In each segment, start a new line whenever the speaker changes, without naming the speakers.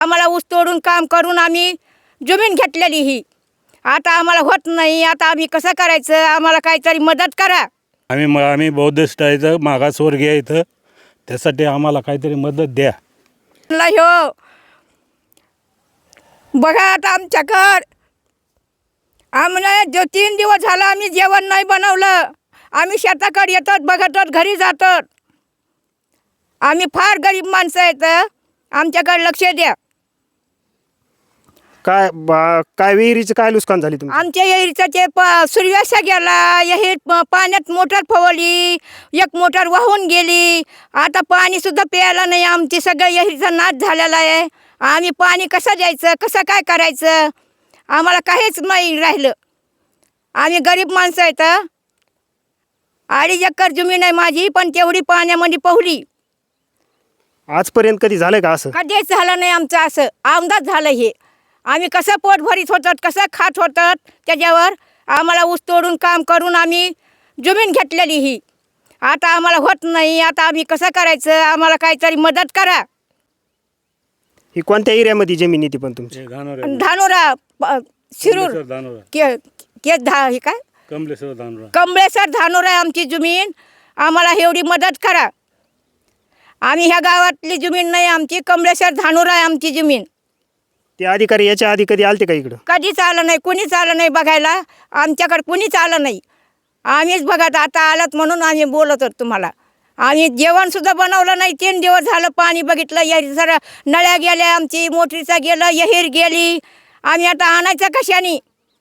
आम्हाला ऊस तोडून काम करून आम्ही जमीन घेतलेली ही आता आम्हाला होत नाही। आता आम्ही कसं करायचं? आम्हाला काहीतरी मदत करा।
आम्ही बौद्धिस्ट आहे, मागासवर्गीय इथं, त्यासाठी आम्हाला काहीतरी मदत द्या।
हो बघा आता आमच्याकडं आम्हाला 3 दिवस झाला आम्ही जेवण नाही बनवलं। आम्ही शेताकडे येतात, बघतात, घरी जातात। आम्ही फार गरीब माणसं आहेत, आमच्याकडे लक्ष द्या।
काय विहिरीचं काय नुकसान झाली तुमचं?
आमच्या विहिरीचा ते सूर्याशा गेला, विहीर पाण्यात मोटर फवली, एक मोटर वाहून गेली। आता पाणी सुद्धा प्यायला नाही, आमची सगळं विहिरीचा नाश झालेला आहे। आम्ही पाणी कसं द्यायचं, कसं काय करायचं? आम्हाला काहीच नाही राहिलं। आम्ही गरीब माणसं आहेत। 2.5 एकर जमीन आहे माझी, पण तेवढी पाण्यामध्ये पोहली।
आजपर्यंत कधी झालंय का असं?
कधीच झालं नाही आमचं असं, आमदाच झालं हे। आम्ही कसं पोट भरीत होतात, कसं खात होतात, त्याच्यावर आम्हाला ऊस तोडून काम करून आम्ही जमीन घेतलेली ही आता आम्हाला होत नाही। आता आम्ही कसं करायचं? आम्हाला काहीतरी मदत करा।
ही कोणत्या एरियामध्ये जमीन येते पण तुमची?
धानोरा शिरूर हे काय कमळेश्वर धानोरा आहे आमची जमीन। आम्हाला एवढी मदत करा। आम्ही ह्या गावातली जमीन नाही, आमची कमळेश्वर धानोरा आहे आमची जमीन।
ते अधिकारी याच्या आधी कधी आलते का इकडं?
कधीच आलं नाही, कुणीच आलं नाही बघायला। आमच्याकडे कुणीच आलं नाही, आम्हीच बघत आता आलात म्हणून आम्ही बोलत होतो तुम्हाला। आम्ही जेवणसुद्धा बनवलं नाही, 3 दिवस झालं। पाणी बघितलं, विहीर जरा नळ्या गेल्या, आमची मोटरीचा गेलं, विहीर गेली। आम्ही आता आणायचं कशाने?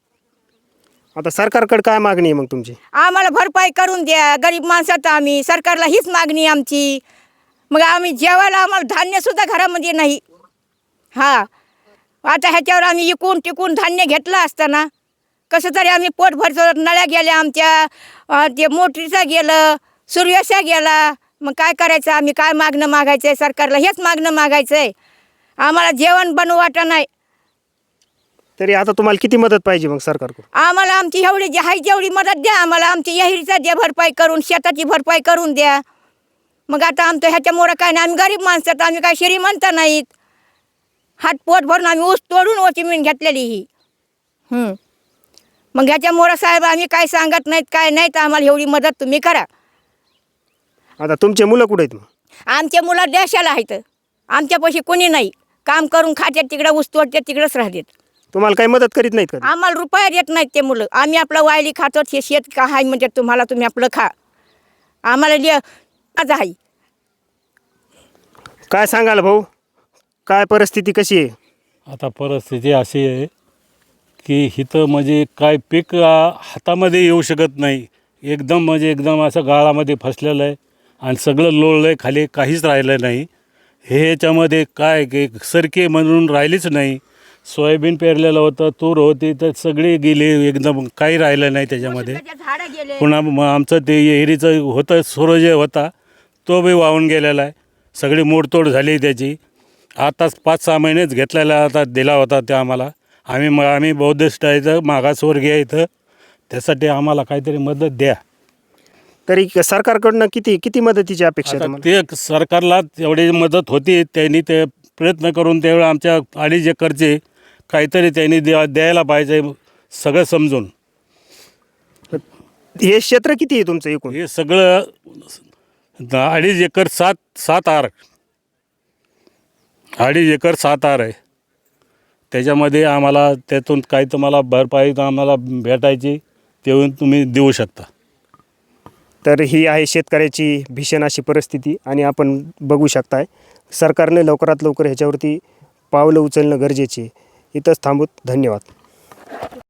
आता सरकारकडे काय मागणी आहे मग तुमची?
आम्हाला भरपाई करून द्या, गरीब माणसात आम्ही, सरकारला हीच मागणी आमची। मग आम्ही जेवायला आम्हाला धान्यसुद्धा घरामध्ये नाही। हां, आता ह्याच्यावर आम्ही इकून टिकून धान्य घेतलं असताना कसं तरी आम्ही पोट भरतो। नळ्या गेल्या आमच्या, ते मोटरीचं गेलं, सूर्याशा गेला। मग काय करायचं? आम्ही काय मागणं मागायचं आहे? सरकारला हेच मागणं मागायचं आहे। आम्हाला जेवण बनवू वाटत नाही।
तरी आता तुम्हाला किती मदत पाहिजे मग सरकारकडून?
आम्हाला आमची एवढी जी आहे तेवढी मदत द्या। आम्हाला आमची विहिरीचा द्या भरपाई करून, शेताची भरपाई करून द्या। मग आता आमचं ह्याच्यामुळं काय नाही, आम्ही गरीब माणसं, आम्ही काय श्रीमंत नाहीत। हात पोट भरून आम्ही ऊस तोडून जमीन घेतलेली ही। मग ह्याच्यामुळं साहेब आम्ही काय सांगत नाहीत, काय नाहीत, आम्हाला एवढी मदत तुम्ही करा।
आता तुमचे मुलं कुठे आहेत मग?
आमचे मुलं देशाला आहेत, आमच्यापाशी कोणी नाही। काम करून खात्यात, तिकडं ऊस तोडतात, तिकडंच राहतात।
तुम्हाला काही मदत करीत नाहीत का?
आम्हाला रुपया देत नाहीत ते मुलं। आम्ही आपलं वायली खातो, हे शेत का आहे म्हणजे तुम्हाला, तुम्ही आपलं खा, आम्हाला आहे।
काय सांगाल भाऊ, काय परिस्थिती कशी आहे?
आता परिस्थिती अशी आहे की इथं म्हणजे काय पीक हातामध्ये येऊ शकत नाही। एकदम असं गाळामध्ये फसलेलं आहे आणि सगळं लोळलं आहे खाली, काहीच राहिलं नाही। ह्याच्यामध्ये काय की सरकी म्हणून राहिलीच नाही। सोयाबीन पेरलेलं होतं, तूर होती, तर सगळी गेली, एकदम काही राहिलं नाही त्याच्यामध्ये। पुन्हा आमचं ते विहिरीचं होतं, सूर्य होता, तो बी वाहून गेलेला आहे। सगळी मोडतोड झाली त्याची। आताच 5-6 महिनेच घेतलेला आता दिला होता ते आम्हाला। आम्ही बौद्धिस्ट आहे, मागासवर्गीय इथं, त्यासाठी आम्हाला काहीतरी मदत द्या।
तरी सरकारकडनं किती मदतीची अपेक्षा आहे तुम्हाला?
ते सरकारला एवढी मदत होती, त्यांनी ते प्रयत्न करून तेवढं आमच्या 2.5 एकरचे काहीतरी त्यांनी द्यायला पाहिजे, सगळं समजून।
हे क्षेत्र किती आहे तुमचं एकूण?
हे सगळं 2.5 एकर 7 आर, 2.5 एकर 7 आर आहे। त्याच्यामध्ये आम्हाला त्यातून काही तुम्हाला भरपाई आम्हाला भेटायची, तेवढून तुम्ही देऊ शकता।
तर ही आहे शेतकऱ्याची भीषण अशी परिस्थिती आणि आपण बघू शकताय सरकारने लवकरात लवकर ह्याच्यावरती पावलं उचलणं गरजेचे आहे। इथंच थांबूत, धन्यवाद।